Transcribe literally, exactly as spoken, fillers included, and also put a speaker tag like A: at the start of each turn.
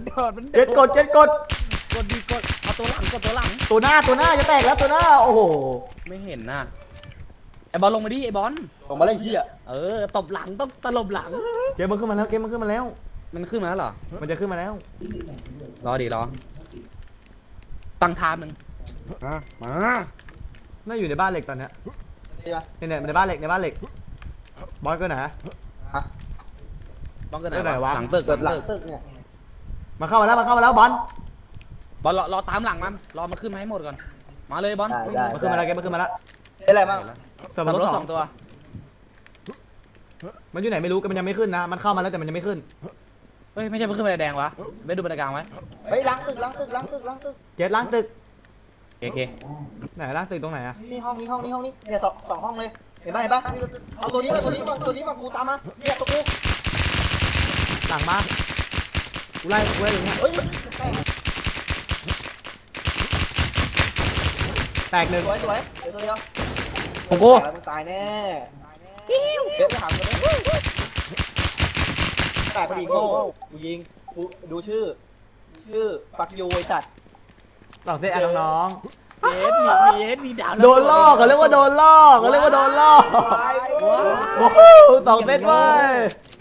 A: โดดมัน
B: เจ็ดกดเจ็ดกด
A: กดดีกดเอาตัวหลังกดตัวหลัง
B: ตัวหน้าตัวหน้าจะแตกแล้วตัวหน้าโอ้โห
A: ไม่เห็นน่ะไอบอลลงมาดิไอบอล
C: ลงมาเลยเฮีย
A: เออตบหลังต้องตลบหลัง
B: เกมมันขึ้นมาแล้วเกมมันขึ้นมาแล้ว
A: มันขึ้นมาแล้วเหรอ
B: มันจะขึ้นมาแล้ว
A: รอดิรอตั้งทามหนึ่งมามา
B: น่าอยู่ในบ้านเหล็กตอนเนี้ย
C: นี่ปะ
B: เนี่ยเนี่ยในบ้านเหล็กในบ้านเหล็กบอสก็ไหน
C: ฮะ
A: บ้องกันไห
B: ไหน
A: น
B: วะ
A: วะหลังตึก
C: เกิดห
A: ห
C: ลั
A: ลั
C: ง
A: งตึก
C: ตึกเนี่ย
B: มาเข้ามาแล้วมาเข้ามาแล้วบอล
A: บอลรอรอตามหลังมันรอมาขึ้นมาให้หมดก่อนมาเลยบอล
C: ได้ได้
B: มาขึ้นมาแล้วเกมมันขึ้นมาแล้ว
C: ได้อะไรบ้าง
B: เสริม
A: ขับ
B: รถ
A: รถ
B: ส
A: ส
B: อ
A: อง งตัว
B: มันอยู่ไหนไม่รู้แต่มันยังไม่ขึ้นนะมันเข้ามาแล้วแต่มันยังไม่ขึ้น
A: เฮ้ยไม่ใช่มันขึ้นบันไดแดงวะไม่ดูบันไดกลางไว้
C: เฮ้ยล้างตึกล้างตึกล้างตึกล้างตึก
B: เจ็ดล้างตึก
A: โอเค
B: ไหนล้างตึกตรงไหนอะ
C: นี่ห้องนี้ห้องนี้ห้องนี้เนี่ยสองสองห้องเลยเห็นไหมเห็นปะเอาตัวนี้มาตัวนี้มาตัวนี้มากูตามมาเนี่ยตัวกู
B: หลังมากูไล่กูไล่อย่างเงี้ย
C: เฮ้ย
B: แตกหนึ่ง
C: สวยสวยเดี๋ยวตัวเดียว
A: โอ้โห
C: ตายแล้วมึงตายแน่เดี๋ยวไปหาตัวนี้แตกพอดีโง่กูยิงกูดูชื่อชื่อปักยูไอ้สัตว์
B: สองเซตอ่ะน้อง
A: เอสมีมีเอสมีดาว
B: ๆโดนล่อกเขาเรียกว่าโดนล่อกเขาเรียกว่าโดนล่อก
C: ตาย
A: ว้าว
B: โอ้โหสองเซตเว้ย